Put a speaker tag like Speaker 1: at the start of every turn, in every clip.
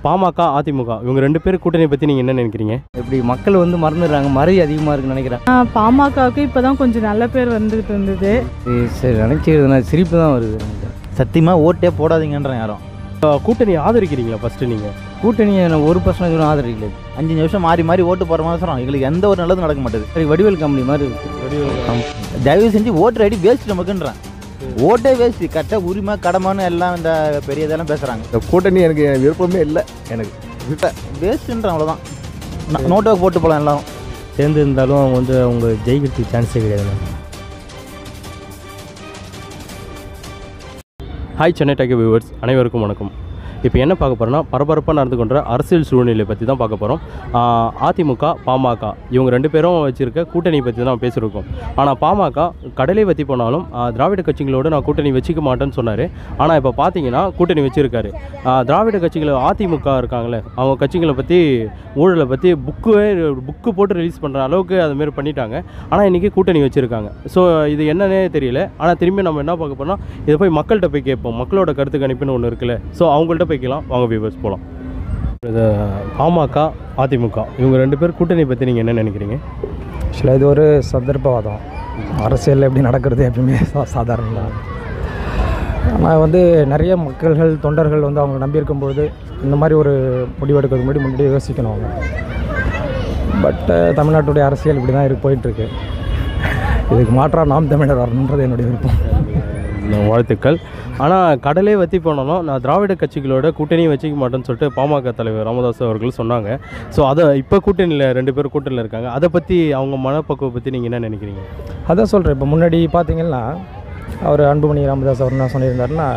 Speaker 1: பாமக, அதிமுக இவங்க 2 பேர் கூட்டணியை பற்றி நீங்கள் என்ன நினைக்கிறீங்க?
Speaker 2: இப்படி மக்கள் வந்து மறந்துடுறாங்க, மறதி அதிகமாக இருக்குன்னு நினைக்கிறேன்.
Speaker 3: பாமகவுக்கு இப்போ தான் கொஞ்சம் நல்ல பேர் வந்துகிட்டு இருந்தது.
Speaker 2: சரி நினச்சிக்கிறதுனா சிரிப்பு தான் வருது.
Speaker 4: சத்தியமாக ஓட்டே போடாதீங்கன்றேன் யாரும்.
Speaker 1: கூட்டணி ஆதரிக்கிறீங்களா? ஃபஸ்ட்டு நீங்கள்
Speaker 2: கூட்டணியை 1% ஆதரிக்கல.
Speaker 4: 5 நிமிஷம் மாறி மாறி ஓட்டு போகிற மாதிரி எங்களுக்கு எந்த ஒரு நல்லதும் நடக்க மாட்டேது.
Speaker 2: சரி வடிவேல் கம்பெனி மாதிரி இருக்குது.
Speaker 4: தயவு செஞ்சு ஓட்டு ஐடி வேஸ்ட் நமக்குன்றேன். ஓட்டே வேஸ்ட். கரெக்டாக உரிமை கடமைன்னு எல்லாம் இந்த பெரிய இதெல்லாம் பேசுகிறாங்க.
Speaker 5: இந்த கூட்டணி எனக்கு விருப்பமே இல்லை. எனக்கு
Speaker 4: வேஸ்ட்டுன்ற அவ்வளோதான். நோட்டாக போட்டு போகலாம் எல்லாரும்
Speaker 2: சேர்ந்து இருந்தாலும் அவங்க வந்து அவங்க ஜெயிக்கிறதுக்கு சான்ஸே கிடையாது.
Speaker 1: ஹாய் சென்னை டேக் வியூவர்ஸ் அனைவருக்கும் வணக்கம். இப்போ என்ன பார்க்க போகிறோன்னா, பரபரப்பாக நடந்து கொண்ட அரசியல் சூழ்நிலை பற்றி தான் பார்க்க போகிறோம். அதிமுக, பாமக இவங்க 2 பேரும் வச்சுருக்க கூட்டணி பற்றி தான் பேசியிருக்கோம். ஆனால் பாமக கடலை வற்றி போனாலும் திராவிட கட்சிகளோடு நான் கூட்டணி வச்சுக்க மாட்டேன்னு சொன்னார். ஆனால் இப்போ பார்த்தீங்கன்னா கூட்டணி வச்சுருக்காரு. திராவிட கட்சிகள் அதிமுக இருக்காங்களே, அவங்க கட்சிகளை பற்றி ஊழலை பற்றி புக்கு போட்டு ரிலீஸ் பண்ணுற அளவுக்கு அதுமாரி பண்ணிட்டாங்க. ஆனால் இன்றைக்கி கூட்டணி வச்சுருக்காங்க. ஸோ இது என்னன்னே தெரியல. ஆனால் திரும்பி நம்ம என்ன பார்க்க போகிறோம்னா, இதை போய் மக்கள்கிட்ட போய் கேட்போம். மக்களோட கருத்து கணிப்புன்னு ஒன்று இருக்குல்ல, ஸோ அவங்கள்ட்ட போய்க்கலாம். வாங்க வியூவர்ஸ் போகலாம். இது பாமக, அதிமுக இவங்க 2 பேர் கூட்டணி பற்றி நீங்கள் என்ன நினைக்கிறீங்க?
Speaker 6: ஆக்சுவலாக இது ஒரு சந்தர்ப்பவாதம். அரசியலில் எப்படி நடக்கிறது எப்பயுமே சாதாரணம் தான். ஆனால் வந்து நிறைய மக்கள்கள் தொண்டர்கள் வந்து அவங்க நம்பியிருக்கும்போது இந்த மாதிரி ஒரு முடிவெடுக்கிறதுக்கு முன்னாடியே யோசிக்கணும் அவங்க. பட் தமிழ்நாட்டுடைய அரசியல் இப்படி தான் போயிட்டுருக்கு. இதுக்கு மாற்றாக நாம் தமிழர் வரணுன்றது என்னுடைய விருப்பம்.
Speaker 1: வாழ்த்துக்கள். ஆனால் கடலே வற்றி போனாலும் நான் திராவிட கட்சிகளோட கூட்டணியும் வச்சுக்க மாட்டேன்னு சொல்லிட்டு பாமக தலைவர் ராமதாஸ் அவர்கள் சொன்னாங்க. ஸோ அதை இப்போ கூட்டணியில் 2 பேர் கூட்டணியில் இருக்காங்க. அதை பற்றி அவங்க மனப்பக்குவம் பற்றி நீங்கள் என்ன நினைக்கிறீங்க?
Speaker 6: அதான் சொல்கிறேன். இப்போ முன்னாடி பார்த்தீங்கன்னா அவர் அன்புமணி ராமதாஸ் அவர் என்ன சொல்லியிருந்தாருன்னா,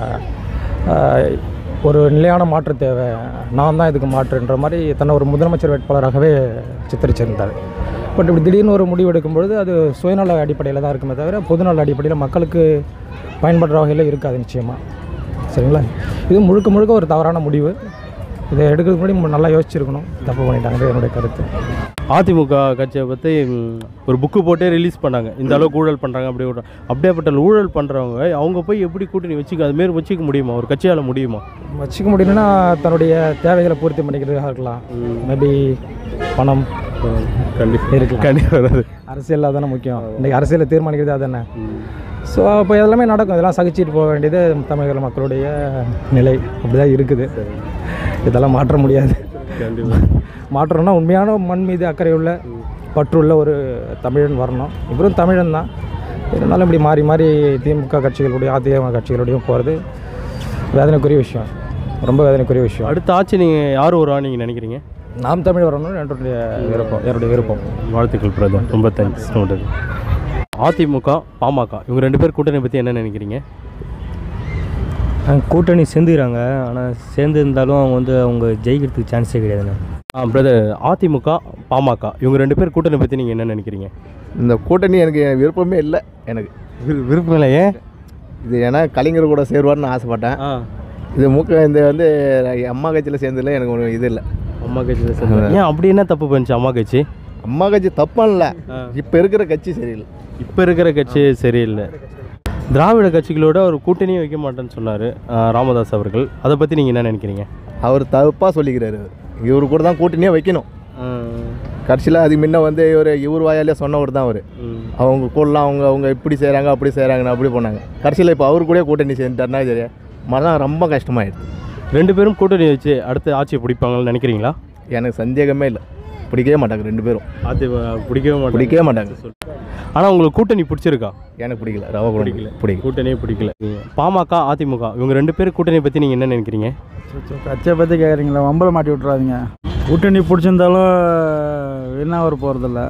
Speaker 6: ஒரு நிலையான மாற்று தேவை, நான் தான் இதுக்கு மாற்றுன்ற மாதிரி தன்னை ஒரு முதலமைச்சர் வேட்பாளராகவே சித்தரிச்சிருந்தார். பட் இப்படி திடீர்னு ஒரு முடிவு எடுக்கும்பொழுது அது சுயநல அடிப்படையில் தான் இருக்குமே தவிர பொதுநல அடிப்படையில் மக்களுக்கு பயன்படுற வகையில் இருக்காது நிச்சயமாக. சரிங்களா? இது முழுக்க முழுக்க ஒரு தவறான முடிவு. இதை எடுக்கிறதுக்கு முன்னாடி நல்லா யோசிச்சிருக்கணும். தப்பு பண்ணிட்டாங்க என்னுடைய கருத்து.
Speaker 1: அதிமுக கட்சியை பற்றி ஒரு புக்கு போட்டே ரிலீஸ் பண்ணாங்க. இந்த அளவுக்கு ஊழல் பண்ணுறாங்க. அப்படியேப்பட்ட ஊழல் பண்ணுறவங்க அவங்க போய் எப்படி கூட்டணி அதுமாரி வச்சுக்க முடியுமா? ஒரு கட்சியால் முடியுமா?
Speaker 6: வச்சுக்க முடியும்னா தன்னுடைய தேவைகளை பூர்த்தி பண்ணிக்கிறதுக்காக இருக்கலாம். மேபி பணம்
Speaker 1: கண்டிப்பாக இருக்கலாம். கண்டிப்பாக வராது.
Speaker 6: அரசியல் தானே முக்கியம். இன்றைக்கி அரசியலை தீர்மானிக்கிறது அதுதானே. ஸோ அப்போ எல்லாமே நடக்கும். இதெல்லாம் சகிச்சிட்டு போக வேண்டியது தமிழக மக்களுடைய நிலை. அப்படி தான் இருக்குது. இதெல்லாம் மாற்ற முடியாது. மாற்றணும்னா உண்மையான மண் மீது அக்கறை உள்ள பற்றுள்ள ஒரு தமிழன் வரணும். இவரும் தமிழன் தான். இருந்தாலும் இப்படி மாறி மாறி திமுக கட்சிகளுடைய அதிமுக கட்சிகளுடையும் போகிறது வேதனைக்குரிய விஷயம். ரொம்ப வேதனைக்குரிய விஷயம்.
Speaker 1: அடுத்த ஆட்சி நீங்கள் யார் வருவான்னு நீங்கள் நினைக்கிறீங்க?
Speaker 6: நாம் தமிழ் வரணும்னு என்னுடைய விருப்பம்.
Speaker 1: வாழ்த்துக்கள் பிரதர். ரொம்ப தேங்க்ஸ். அதிமுக, பாமக இவங்க 2 பேர் கூட்டணி பற்றி என்ன நினைக்கிறீங்க?
Speaker 2: கூட்டணி சேர்ந்துக்கிறாங்க. ஆனால் சேர்ந்து இருந்தாலும் அவங்க வந்து அவங்க ஜெயிக்கிறதுக்கு சான்ஸே கிடையாதுண்ணா.
Speaker 1: பிரதர், அதிமுக, பாமக இவங்க 2 பேர் கூட்டணி பற்றி நீங்கள் என்ன நினைக்கிறீங்க?
Speaker 5: இந்த கூட்டணி எனக்கு விருப்பமே இல்லை. எனக்கு
Speaker 1: விருப்பம் இல்லை. ஏன்?
Speaker 5: இது ஏன்னா கலைஞர் கூட சேருவார்னு ஆசைப்பட்டேன். இது இந்த வந்து அம்மா கட்சியில் சேர்ந்ததில் எனக்கு ஒரு இது இல்லை.
Speaker 1: அம்மா கட்சியில் சேர்ந்து ஏன் அப்படி என்ன தப்பு பண்ணிச்சு அம்மா கட்சி?
Speaker 5: அம்மா கட்சி தப்பாக இல்லை. இப்போ இருக்கிற கட்சி சரியில்லை.
Speaker 1: இப்போ இருக்கிற கட்சி சரியில்லை. திராவிட கட்சிகளோட ஒரு கூட்டணியே வைக்க மாட்டேன்னு சொன்னார் ராமதாஸ் அவர்கள். அதை பற்றி நீங்கள் என்ன நினைக்கிறீங்க?
Speaker 5: அவர் தப்பாக சொல்லிக்கிறாரு. இவர் கூட தான் கூட்டணியே வைக்கணும். கட்சியில் அது முன்ன வந்து இவர் வாயாலே சொன்னவர் தான் அவர். அவங்க கூடலாம் அவங்க இப்படி செய்கிறாங்க அப்படி செய்கிறாங்கன்னு அப்படி போனாங்க. கட்சியில் இப்போ அவர் கூட கூட்டணி சேர்ந்துட்டாருன்னா சரியா மனம் ரொம்ப கஷ்டமாயிடுது.
Speaker 1: 2 பேரும் கூட்டணி வச்சு அடுத்த ஆட்சியை பிடிப்பாங்கன்னு நினைக்கிறீங்களா?
Speaker 5: எனக்கு சந்தேகமே இல்லை. பிடிக்கவே மாட்டாங்க 2 பேரும்.
Speaker 1: அது பிடிக்கவே மாட்டாங்க. ஆனால் உங்களுக்கு கூட்டணி பிடிச்சிருக்கா?
Speaker 5: எனக்கு பிடிக்கல. ரவா
Speaker 1: கூட்டணியே பிடிக்கல. பாமக, அதிமுக இவங்க 2 பேர் கூட்டணியை பற்றி நீங்கள் என்ன நினைக்கிறீங்க?
Speaker 6: கட்சியை பற்றி கேட்குறீங்களா? வம்பலை மாட்டி விட்றாதீங்க. கூட்டணி பிடிச்சிருந்தாலும் வின்னாக போகிறதில்ல.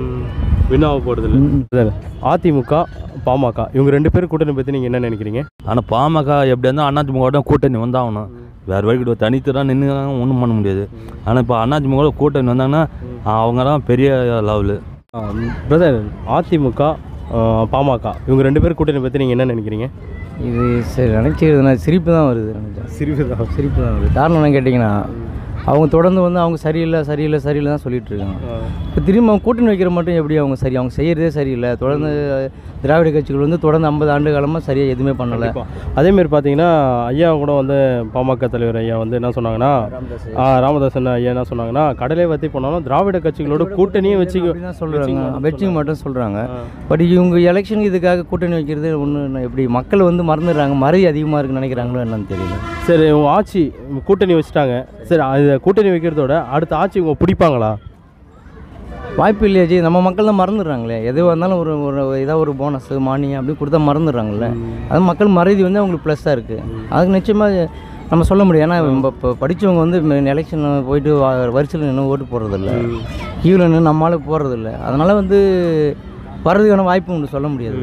Speaker 1: அதிமுக, பாமக இவங்க 2 பேர் கூட்டணி பற்றி நீங்கள் என்ன நினைக்கிறீங்க?
Speaker 7: ஆனால் பாமக எப்படி இருந்தால் அதிமுக கூட்டணி வந்தாகணும். வேறு வழிக்கிட்ட தனித்து தான் நின்றுக்கிறாங்க, ஒன்றும் பண்ண முடியாது. ஆனால் இப்போ அதிமுக கூட்டணி வந்தாங்கன்னா அவங்க தான் பெரிய லெவலு.
Speaker 1: பிரதர், அதிமுக, பாமக இவங்க 2 பேர் கூட்டணி பற்றி நீங்கள் என்ன நினைக்கிறீங்க?
Speaker 2: இது சரி நினச்சிக்கிறதுனா சிரிப்பு தான் வருது.
Speaker 1: சிரிப்பு தான்
Speaker 2: வருது. காரணம் என்ன கேட்டிங்கன்னா, அவங்க தொடர்ந்து வந்து அவங்க சரியில்லை தான் சொல்லிட்டு இருக்காங்க. இப்போ திரும்ப அவங்க கூட்டணி வைக்கிற மட்டும் எப்படி அவங்க அவங்க செய்கிறதே சரியில்லை. தொடர்ந்து திராவிட கட்சிகள் வந்து தொடர்ந்து 50 ஆண்டு காலமாக சரியாக எதுவுமே பண்ணலை.
Speaker 1: அதேமாரி பார்த்தீங்கன்னா ஐயா கூட வந்து பாமக தலைவர் ஐயா வந்து என்ன சொன்னாங்கன்னா ராமதாசன் ஐயா என்ன சொன்னாங்கன்னா கடலை வத்தி போனாலும் திராவிட கட்சிகளோட கூட்டணியும்
Speaker 2: தான் சொல்கிறாங்க, வச்சுக்க மட்டும் சொல்கிறாங்க. பட் இவங்க எலெக்ஷனுக்கு இதுக்காக கூட்டணி வைக்கிறது ஒன்று எப்படி மக்கள் வந்து மறந்துடுறாங்க, மறதி அதிகமாக இருக்குன்னு நினைக்கிறாங்களோ என்னன்னு தெரியல.
Speaker 1: சரி, உங்க ஆட்சி கூட்டணி வச்சுட்டாங்க, சரி அது கூட்டணி வைக்கிறதோட அடுத்த ஆட்சி இவங்க பிடிப்பாங்களா?
Speaker 2: வாய்ப்பு இல்லையா ஜி, நம்ம மக்கள் தான் மறந்துடுறாங்களே. எதுவாக இருந்தாலும் ஒரு ஏதாவது ஒரு போனஸ் மானியம் அப்படி கொடுத்தா மறந்துடுறாங்கல்ல. அது மக்கள் மறதி வந்து அவங்களுக்கு ப்ளஸ்ஸாக இருக்குது. அதுக்கு நிச்சயமாக நம்ம சொல்ல முடியும். ஏன்னா இப்போ படித்தவங்க வந்து எலெக்ஷன் போயிட்டு வரிசையில் நின்று ஓட்டு போடுறதில்ல, கீழே நின்று நம்மளால் போடுறதில்ல. அதனால் வந்து வர்றதுக்கான வாய்ப்பு உண்டு, சொல்ல முடியாது.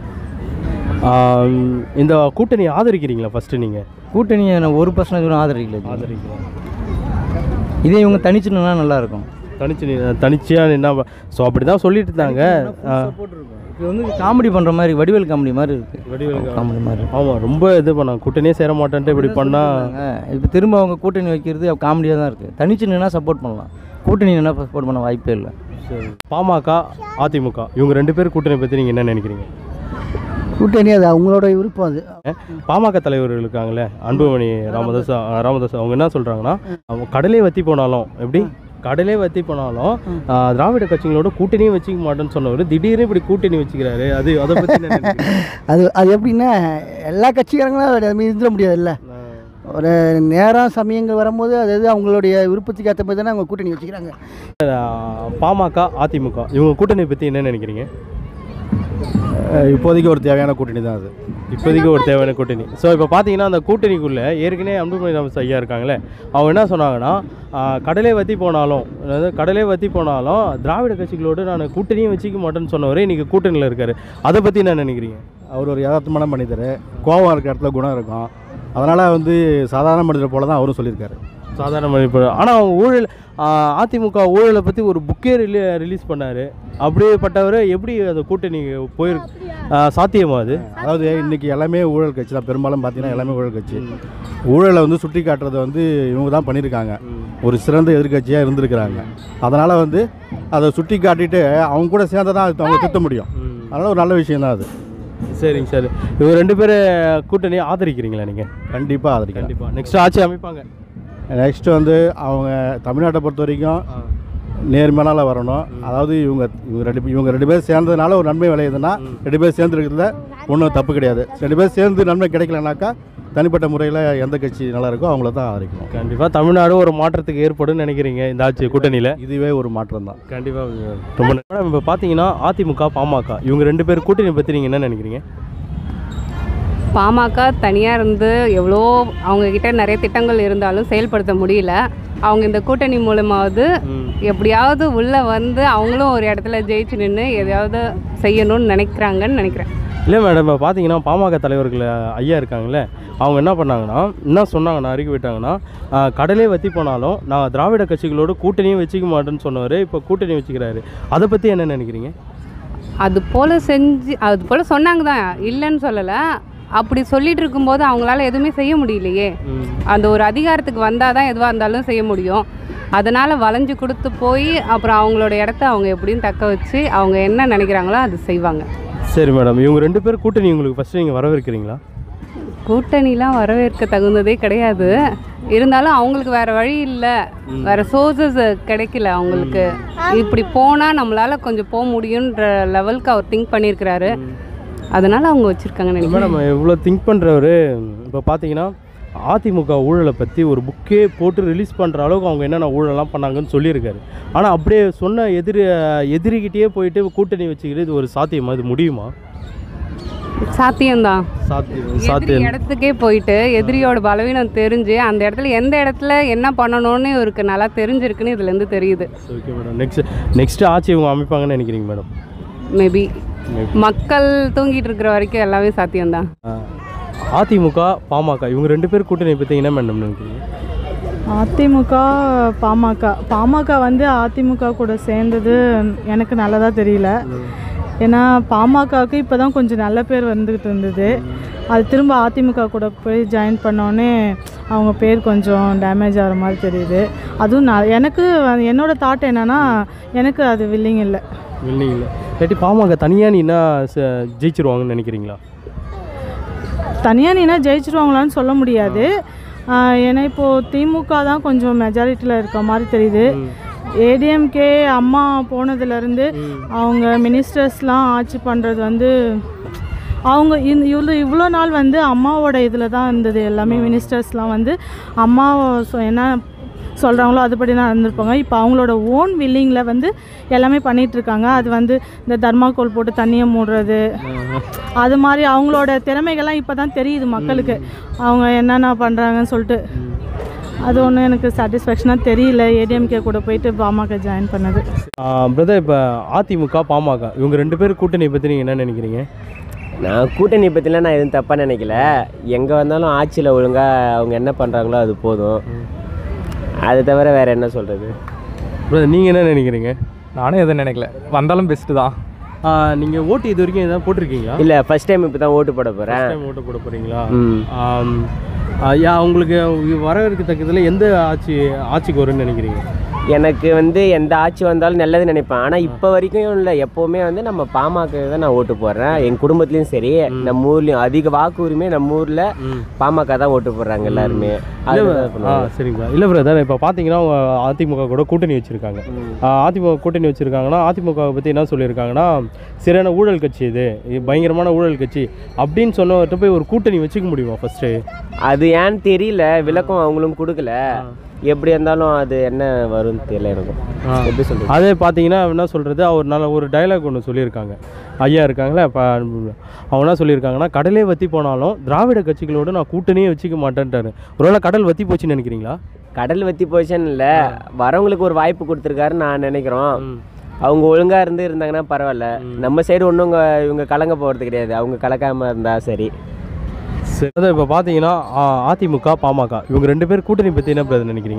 Speaker 1: இந்த கூட்டணி ஆதரிக்கிறீங்களா? ஃபஸ்ட்டு நீங்கள்
Speaker 2: கூட்டணியை நான் 1% ஆதரிக்கிறேன். இதே இவங்க தனிச்சுன்னா நல்லாயிருக்கும்.
Speaker 1: தனிச்சியாக என்ன ஸோ அப்படி தான் சொல்லிட்டு இருந்தாங்க.
Speaker 2: இப்போ வந்து காமெடி பண்ணுற மாதிரி, வடிவேல் காமெடி மாதிரி இருக்குது. வடிவேல் காமெடி மாதிரி.
Speaker 1: ஆமாம், ரொம்ப இது பண்ணாங்க, கூட்டணியே சேர மாட்டேன்ட்டு இப்படி பண்ணால்.
Speaker 2: இப்போ திரும்ப அவங்க கூட்டணி வைக்கிறது காமெடியாக தான் இருக்குது. தனிச்சு நின்னா சப்போர்ட் பண்ணலாம், கூட்டணி நின்னா சப்போர்ட் பண்ண வாய்ப்பே இல்லை.
Speaker 1: சரி, பாமக அதிமுக இவங்க 2 பேர் கூட்டணி பற்றி நீங்கள் என்ன நினைக்கிறீங்க?
Speaker 8: கூட்டணி அது அவங்களோட விருப்பம். அது
Speaker 1: பாமக தலைவர்கள் இருக்காங்களே அன்புமணி ராமதாஸ் அவங்க என்ன சொல்கிறாங்கன்னா, அவங்க கடலே வற்றி போனாலும் எப்படி கடலே வற்றி போனாலும் திராவிட கட்சிகளோட கூட்டணியும் வச்சுக்க மாட்டேன்னு சொன்னவர் திடீர்னு இப்படி கூட்டணி வச்சுக்கிறாரு. அதை பற்றி
Speaker 8: அது எப்படின்னா எல்லா கட்சிக்காரங்களும் இருந்துட முடியாதுல்ல. ஒரு நேரம் சமயங்கள் வரும்போது அதாவது அவங்களுடைய விருப்பத்துக்கு ஏற்ற மாதிரி தானே அவங்க கூட்டணி வச்சுக்கிறாங்க.
Speaker 1: பாமக அதிமுக இவங்க கூட்டணி பற்றி என்ன நினைக்கிறீங்க?
Speaker 5: இப்போதைக்கு ஒரு தேவையான கூட்டணி தான் அது.
Speaker 1: இப்போதைக்கு ஒரு தேவையான கூட்டணி. ஸோ இப்போ பார்த்தீங்கன்னா அந்த கூட்டணிக்குள்ளே ஏற்கனவே அன்புமணி ராமதாஸ் ஐயா இருக்காங்களே, அவங்க என்ன சொன்னாங்கன்னா கடலே வற்றி போனாலும் திராவிட கட்சிகளோடு நான் கூட்டணியும் வச்சுக்க மாட்டேன்னு சொன்னவரே இன்றைக்கி கூட்டணியில் இருக்கார். அதை பற்றி என்ன நினைக்கிறீங்க?
Speaker 5: அவர் ஒரு யதார்த்தமான மனிதர், கோவம் இருக்கிற இடத்துல குணம் இருக்கும். அதனால் வந்து சாதாரண மனிதர் போல தான் அவரும் சொல்லியிருக்காரு.
Speaker 1: சாதாரண மனிதர். ஆனால் அவங்க ஊழல் அதிமுக ஊழலை பற்றி ஒரு புக்கே ரிலீஸ் பண்ணார். அப்படியேப்பட்டவர் எப்படி அந்த கூட்டணி போயிருக்கு? சாத்தியமா அது?
Speaker 5: அதாவது இன்றைக்கி எல்லாமே ஊழல் கட்சி தான், பெரும்பாலும் பார்த்தீங்கன்னா எல்லாமே ஊழல் கட்சி. ஊழலை வந்து சுட்டி காட்டுறதை வந்து இவங்க தான் பண்ணியிருக்காங்க, ஒரு சிறந்த எதிர்கட்சியாக இருந்திருக்கிறாங்க. அதனால் வந்து அதை சுட்டி காட்டிட்டு அவங்க கூட சேர்ந்து தான் அவங்க திட்ட முடியும். அதனால் ஒரு நல்ல விஷயம் தான் அது.
Speaker 1: சரிங்க சார், இவங்க 2 பேர் கூட்டணியை ஆதரிக்கிறீங்களா நீங்கள்?
Speaker 5: கண்டிப்பாக ஆதரிக்கிறேன்.
Speaker 1: கண்டிப்பாக நெக்ஸ்ட் ஆட்சி அமைப்பாங்க.
Speaker 5: நெக்ஸ்ட்டு வந்து அவங்க தமிழ்நாட்டை பொறுத்த வரைக்கும் நேர்மையால வரணும். அதாவது இவங்க ரெண்டு பேர் சேர்ந்ததுனால ஒரு நன்மை விளையுதுன்னா 2 பேர் சேர்ந்துருக்கிறதுல ஒன்றும் தப்பு கிடையாது. 2 பேர் சேர்ந்து நன்மை கிடைக்கலனாக்கா தனிப்பட்ட முறையில் எந்த கட்சி நல்லா இருக்கோ அவங்கள தான் ஆதரிக்கணும்.
Speaker 1: கண்டிப்பாக தமிழ்நாடு ஒரு மாற்றத்துக்கு ஏற்படும் நினைக்கிறீங்க இந்த ஆட்சி கூட்டணியில்?
Speaker 5: இதுவே ஒரு மாற்றம் தான்.
Speaker 1: கண்டிப்பாக. ரொம்ப மேடம், இப்போ பார்த்தீங்கன்னா அதிமுக பாமக இவங்க 2 பேர் கூட்டணி பற்றி நீங்கள் என்ன நினைக்கிறீங்க?
Speaker 9: பாமக தனியாக இருந்து எவ்வளோ அவங்கக்கிட்ட நிறைய திட்டங்கள் இருந்தாலும் செயல்படுத்த முடியல. அவங்க இந்த கூட்டணி மூலமாவது எப்படியாவது உள்ளே வந்து அவங்களும் ஒரு இடத்துல ஜெயிச்சு நின்று எதையாவது செய்யணும்னு நினைக்கிறாங்கன்னு நினைக்கிறேன்.
Speaker 1: இல்லை மேடம், இப்போ பார்த்தீங்கன்னா பாமக தலைவர்கள் ஐயா இருக்காங்களே, அவங்க என்ன பண்ணாங்கன்னா என்ன சொன்னாங்கன்னா அறிக்கை விட்டாங்கன்னா கடலே வற்றி போனாலும் நான் திராவிட கட்சிகளோட கூட்டணியும் வச்சுக்க மாட்டேன்னு சொன்னவர் இப்போ கூட்டணி வச்சுக்கிறாரு. அதை பற்றி என்ன நினைக்கிறீங்க?
Speaker 9: அது போல் சொன்னாங்க தான், இல்லைன்னு சொல்லலை. அப்படி சொல்லிட்டு இருக்கும்போது அவங்களால எதுவுமே செய்ய முடியலையே. அந்த ஒரு அதிகாரத்துக்கு வந்தால் தான் எதுவாக இருந்தாலும் செய்ய முடியும். அதனால் வளைஞ்சு கொடுத்து போய் அப்புறம் அவங்களோட இடத்த அவங்க எப்படியும் தக்க வச்சு அவங்க என்ன நினைக்கிறாங்களோ அது செய்வாங்க.
Speaker 1: சரி மேடம், இவங்க 2 பேர் கூட்டணி உங்களுக்கு ஃபஸ்ட்டு நீங்கள் வரவேற்கிறீங்களா?
Speaker 9: கூட்டணிலாம் வரவேற்க தகுந்ததே கிடையாது. இருந்தாலும் அவங்களுக்கு வேறு வழி இல்லை, வேறு சோர்ஸஸ் கிடைக்கல அவங்களுக்கு. இப்படி போனால் நம்மளால் கொஞ்சம் போக முடியுன்ற லெவலுக்கு அவர் திங்க் பண்ணியிருக்கிறாரு. அதனால் அவங்க வச்சுருக்காங்கன்னு நினைக்கிறேன்.
Speaker 1: மேடம், இவ்வளோ திங்க் பண்ணுறவர் இப்போ பார்த்தீங்கன்னா அதிமுக ஊழலை பற்றி ஒரு புக்கே போட்டு ரிலீஸ் பண்ணுற அளவுக்கு அவங்க என்னென்ன ஊழலாம் பண்ணாங்கன்னு சொல்லியிருக்காரு. ஆனால் அப்படியே சொன்ன எதிரிக்கிட்டே போயிட்டு கூட்டணி வச்சுக்கிட்டு இது ஒரு சாத்தியமா? இது முடியுமா?
Speaker 9: சாத்தியம்தான்.
Speaker 1: சாத்தியம்.
Speaker 9: இடத்துக்கே போயிட்டு எதிரியோட பலவீனம் தெரிஞ்சு அந்த இடத்துல எந்த இடத்துல என்ன பண்ணணும்னு இவருக்கு நல்லா தெரிஞ்சிருக்குன்னு இதுலேருந்து தெரியுது.
Speaker 1: ஓகே மேடம், நெக்ஸ்ட் ஆட்சி இவங்க அமைப்பாங்கன்னு நினைக்கிறீங்க மேடம்?
Speaker 9: மேபி மக்கள் தூங்கிட்டு இருக்கிற வரைக்கும் எல்லாமே சாத்தியம்தான்.
Speaker 1: அதிமுக பாமக இவங்க 2 பேர் கூட்டணி பற்றி என்ன மேடம் நினைக்கிறீங்க?
Speaker 3: அதிமுக பாமக வந்து அதிமுக கூட சேர்ந்தது எனக்கு நல்லதாக தெரியல. ஏன்னா பாமகவுக்கு இப்போ தான் கொஞ்சம் நல்ல பேர் வந்துக்கிட்டு இருந்தது. அது திரும்ப அதிமுக கூட போய் ஜாயின் பண்ணோன்னே அவங்க பேர் கொஞ்சம் டேமேஜ் ஆகிற மாதிரி தெரியுது. அதுவும் எனக்கு என்னோடய தாட் என்னென்னா எனக்கு அது வில்லிங் இல்லை.
Speaker 1: வில்லிங் இல்லை இல்லாட்டி பாமக தனியாக நீனா ஜெயிச்சிருவாங்கன்னு நினைக்கிறீங்களா?
Speaker 3: தனியாக நீனா ஜெயிச்சிருவாங்களான்னு சொல்ல முடியாது. ஏன்னா இப்போது திமுக தான் கொஞ்சம் மெஜாரிட்டியில் இருக்க மாதிரி தெரியுது. ஏடிஎம்கே அம்மா போனதுலேருந்து அவங்க மினிஸ்டர்ஸ்லாம் ஆட்சி பண்ணுறது வந்து அவங்க இவ்வளோ நாள் வந்து அம்மாவோட இதில் தான் இருந்தது. எல்லாமே மினிஸ்டர்ஸ்லாம் வந்து அம்மா என்ன சொல்கிறாங்களோ அதுபடி தான் இருந்திருப்பாங்க. இப்போ அவங்களோட ஓன் வில்லிங்கில் வந்து எல்லாமே பண்ணிகிட்ருக்காங்க. அது வந்து இந்த தர்மாக்கோல் போட்டு தண்ணியை மூடுறது அது மாதிரி அவங்களோட திறமைகள்லாம் இப்போ தான் தெரியுது மக்களுக்கு அவங்க என்னென்ன பண்ணுறாங்கன்னு சொல்லிட்டு. அது ஒன்றும் எனக்கு சாட்டிஸ்ஃபேக்ஷனாக தெரியல ஏடிஎம்கே கூட போயிட்டு பாமக ஜாயின் பண்ணது.
Speaker 1: பிரதர், இப்போ அதிமுக பாமக இவங்க 2 பேர் கூட்டணி பற்றி நீங்கள் என்ன நினைக்கிறீங்க?
Speaker 10: நான் கூட்டணி பற்றிலாம் நான் எதுவும் தப்பாக நினைக்கல. எங்கே வந்தாலும் ஆட்சியில் ஒழுங்காக அவங்க என்ன பண்ணுறாங்களோ அது போதும். அது தவிர வேறு என்ன சொல்கிறது?
Speaker 1: பிரதர், நீங்கள் என்ன நினைக்கிறீங்க?
Speaker 6: நானும் எதுவும் நினைக்கல, வந்தாலும் பெஸ்ட்டு தான்.
Speaker 1: நீங்கள் ஓட்டு இது வரைக்கும் எதாவது போட்டிருக்கீங்களா?
Speaker 10: இல்லை, ஃபஸ்ட் டைம் இப்போ தான் ஓட்டு போட போகிறேன்.
Speaker 1: ஓட்டு போட போகிறீங்களா? உங்களுக்கு வரவேற்கத்தக்கதில் எந்த ஆட்சிக்கு வரும்னு நினைக்கிறீங்க?
Speaker 10: எனக்கு வந்து எந்த ஆட்சி வந்தாலும் நல்லது நினைப்பேன். ஆனால் இப்போ வரைக்கும் இல்லை, எப்போவுமே வந்து நம்ம பாமக தான் நான் ஓட்டு போடுறேன். எங்கள் குடும்பத்துலேயும் சரி, நம்ம ஊர்லேயும் அதிக வாக்கு உரிமை நம்ம ஊரில் பாமக தான் ஓட்டு போடுறாங்க எல்லாருமே.
Speaker 1: சரிங்களா? இல்லை பிரதர், இப்போ பார்த்தீங்கன்னா அவங்க அதிமுக கூட கூட்டணி வச்சுருக்காங்க. அதிமுக கூட்டணி வச்சுருக்காங்கன்னா அதிமுக பற்றி என்ன சொல்லியிருக்காங்கன்னா சரியான ஊழல் கட்சி, இது பயங்கரமான ஊழல் கட்சி அப்படின்னு சொன்னவர்கிட்ட போய் ஒரு கூட்டணி வச்சுக்க முடியுமா ஃபஸ்ட்டு?
Speaker 10: அது ஏன்னு தெரியல, விளக்கம் அவங்களும் கொடுக்கல. எப்படி இருந்தாலும் அது என்ன வரும்னு தெரியல எனக்கும். எப்படி சொல்கிறது?
Speaker 1: அதே பார்த்தீங்கன்னா என்ன சொல்கிறது, அவர் நல்ல ஒரு டைலாக் ஒன்று சொல்லியிருக்காங்க. ஐயா இருக்காங்களே, இப்போ அவங்க என்ன சொல்லியிருக்காங்கன்னா கடலே வற்றி போனாலும் திராவிட கட்சிகளோடு நான் கூட்டணியே வச்சுக்க மாட்டேன்ட்டாரு. ஒருவேளை கடல் வற்றி போச்சுன்னு நினைக்கிறீங்களா?
Speaker 10: கடல் வற்றி போச்சுன்னு இல்லை, வரவங்களுக்கு ஒரு வாய்ப்பு கொடுத்துருக்காருன்னு நான் நினைக்கிறோம். அவங்க ஒழுங்காக இருந்தாங்கன்னா பரவாயில்ல. நம்ம சைடு ஒன்றும் இவங்க கலங்க போகிறது கிடையாது. அவங்க கலக்காமல் இருந்தால் சரி.
Speaker 1: சரி, இப்போ பார்த்தீங்கன்னா அதிமுக பாமக இவங்க 2 பேர் கூட்டணி பற்றி என்ன பிரதர் நினைக்கிறீங்க?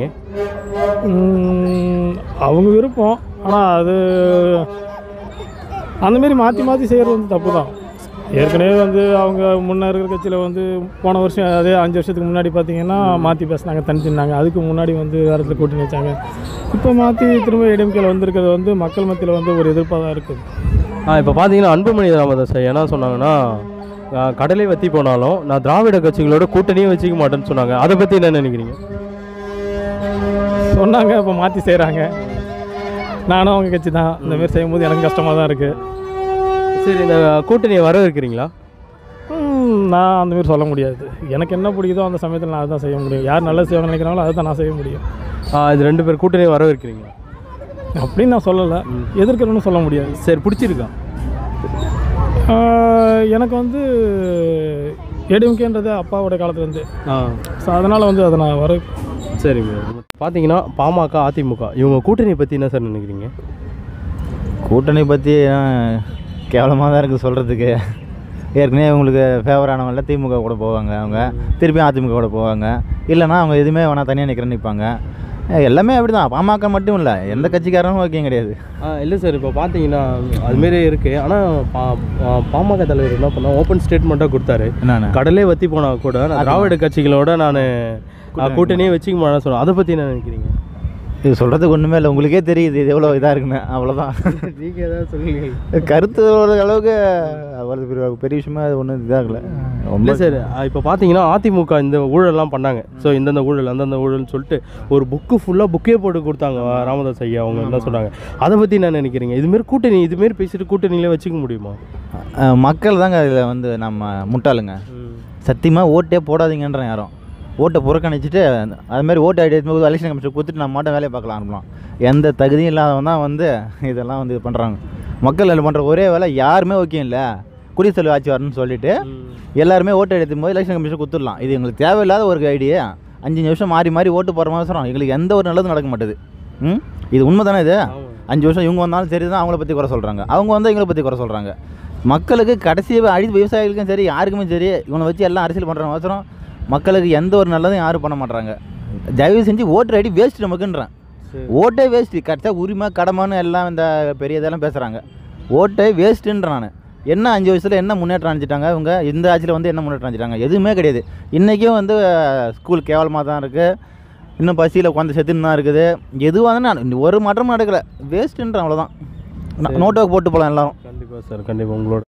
Speaker 6: அவங்க விருப்பம், ஆனால் அது அந்தமாரி மாற்றி செய்கிறது வந்து தப்பு தான். ஏற்கனவே வந்து அவங்க முன்னே இருக்கிற கட்சியில் வந்து போன வருஷம் அதே 5 வருஷத்துக்கு முன்னாடி பார்த்திங்கன்னா மாற்றி பேசினாங்க, தனிச்சிருந்தாங்க. அதுக்கு முன்னாடி வந்து வேறு இடத்துல கூட்டணி வச்சாங்க. இப்போ மாற்றி திரும்ப ஏடிஎம்கேல வந்திருக்கிறது வந்து மக்கள் மத்தியில் வந்து ஒரு எதிர்ப்பாக தான் இருக்குது.
Speaker 1: இப்போ பார்த்தீங்கன்னா அன்புமணி ராமதாஸ் என்ன சொன்னாங்கன்னா கடலை வற்றி போனாலும் நான் திராவிட கட்சிகளோட கூட்டணியும் வச்சுக்க மாட்டேன்னு சொன்னாங்க. அதை பற்றி என்ன நினைக்கிறீங்க?
Speaker 6: சொன்னாங்க, இப்போ மாற்றி செய்கிறாங்க. நானும் அவங்க கட்சி தான். இந்தமாரி செய்யும்போது எனக்கு கஷ்டமாக தான் இருக்குது.
Speaker 1: சரி, இந்த கூட்டணியை வரவேற்கிறீங்களா?
Speaker 6: நான் அந்தமாரி சொல்ல முடியாது. எனக்கு என்ன பிடிக்குதோ அந்த சமயத்தில் நான் அதுதான் செய்ய முடியும். யார் நல்லது செய்வாங்க நினைக்கிறாங்களோ அதை தான் நான் செய்ய முடியும்.
Speaker 1: இது 2 பேர் கூட்டணியை வரவேற்கிறீங்களா?
Speaker 6: அப்படின்னு நான் சொல்லலை, எதிர்க்கிறேன்னு சொல்ல முடியாது.
Speaker 1: சரி, பிடிச்சிருக்கா?
Speaker 6: எனக்கு வந்து ஏடிஎம்கேன்றது அப்பாவோட காலத்துலேருந்து, ஸோ அதனால் வந்து அதை நான் வர.
Speaker 1: சரிங்க. பார்த்தீங்கன்னா பாமக அதிமுக இவங்க கூட்டணியை பற்றி என்ன சார் நினைக்கிறீங்க?
Speaker 4: கூட்டணி பற்றி கேவலமாக தான் இருக்குது சொல்கிறதுக்கு. ஏற்கனவே இவங்களுக்கு ஃபேவரானவங்கள திமுக கூட போவாங்க, அவங்க திருப்பியும் அதிமுக கூட போவாங்க. இல்லைனா அவங்க எதுவுமே வேணால் தனியாக நிற்கிறேன்னு நிற்பாங்க. எல்லாமே அப்படி தான். பாமக மட்டும் இல்லை, எந்த கட்சிக்காரனும் ஓகே கிடையாது.
Speaker 1: இல்லை சார், இப்போ பார்த்தீங்கன்னா அதுமாரி இருக்குது. ஆனால் பாமக தலைவர் என்ன பண்ணால் ஓப்பன் ஸ்டேட்மெண்ட்டாக கொடுத்தாரு. கடலே வற்றி போனால் கூட திராவிட கட்சிகளோட நான் கூட்டணியே வச்சுக்க மாட்டேன்னு சொன்னேன். அதை பற்றி என்ன நினைக்கிறீங்க?
Speaker 4: இது சொல்கிறதுக்கு ஒன்றுமே இல்லை, உங்களுக்கே தெரியுது இது எவ்வளோ இதாக இருக்குன்னு. அவ்வளோதான்.
Speaker 1: நீங்கள் ஏதாவது சொல்லுங்கள்.
Speaker 4: கருத்து அளவுக்கு அவ்வளோ பெரிய விஷயமா அது ஒன்றும் இதாகலை.
Speaker 1: இல்லை சார், இப்போ பார்த்தீங்கன்னா அதிமுக இந்த ஊழல்லாம் பண்ணாங்க. ஸோ இந்தந்த ஊழல் அந்தந்த ஊழல்னு சொல்லிட்டு ஒரு புக்கே போட்டு கொடுத்தாங்க ராமதாஸ் ஐயா. அவங்க என்ன சொன்னாங்க, அதை பற்றி என்ன நினைக்கிறீங்க? இதுமாரி கூட்டணி இதுமாரி பேசிட்டு கூட்டணியிலே வச்சுக்க முடியுமா?
Speaker 4: மக்கள் தாங்க இதில் வந்து நம்ம முட்டாளுங்க. சத்தியமாக ஓட்டே போடாதீங்கன்றேன். யாரும் ஓட்டை புறக்கணிச்சிட்டு அதுமாதிரி ஓட்டு ஐடி எடுத்து எலெக்ஷன் கமிஷன் கொடுத்துட்டு நம்ம மட்டும் வேலையை பார்க்கலாம் ஆரம்பலாம். எந்த தகுதியும் இல்லாதவன் தான் வந்து இதெல்லாம் வந்து இது பண்ணுறாங்க. மக்கள் அதில் பண்ணுற ஒரே வேலை யாருமே ஓகே இல்லை, குடிசெலவு ஆட்சி வரணும்னு சொல்லிட்டு எல்லாருமே ஓட்டு எடுத்தும் போது எலெக்ஷன் கமிஷன் கொடுத்துடலாம். இது எங்களுக்கு தேவையில்லாத ஒரு ஐடியா. 5 நிமிஷம் மாறி ஓட்டு போகிற மாதிரி சொல்கிறோம். எங்களுக்கு எந்த ஒரு நல்லதும் நடக்க மாட்டேது. இது உண்மை தானே? இது 5 வருஷம் இவங்க வந்தாலும் சரி தான் அவங்கள பற்றி குறை சொல்கிறாங்க, அவங்க வந்து எங்களை பற்றி குறை சொல்கிறாங்க. மக்களுக்கு கடைசி விவசாயிகளுக்கும் சரி யாருக்குமே சரி இவனை வச்சு எல்லாம் அரசியல் பண்ணுற அவசரம். மக்களுக்கு எந்த ஒரு நல்லதும் யாரும் பண்ண மாட்டாங்க. தயவு செஞ்சு ஓட்டர் ஐடி வேஸ்ட் நமக்குன்றேன். ஓட்டே வேஸ்ட்டு. கரெக்டாக உரிமை கடமைன்னு எல்லாம் இந்த பெரிய இதெல்லாம் பேசுகிறாங்க. ஓட்டே வேஸ்ட்டுன்ற நான் என்ன 5 வருஷத்தில் என்ன முன்னேற்றம் அடைஞ்சிட்டாங்க இவங்க? இந்த ஆட்சியில் வந்து என்ன முன்னேற்றம் அடைஞ்சிட்டாங்க? எதுவுமே கிடையாது. இன்றைக்கும் வந்து ஸ்கூல் கேவலமாக தான் இருக்குது. இன்னும் பசியில் உட்காந்து செத்துன்னு தான் இருக்குது. எதுவாக நான் ஒரு மாற்றமும் நடக்கலை. வேஸ்ட்டுன்ற அவ்வளோதான். நோட்டோக்கு போட்டு போகலாம் எல்லோரும்.
Speaker 1: கண்டிப்பாக சார், கண்டிப்பாக உங்களோட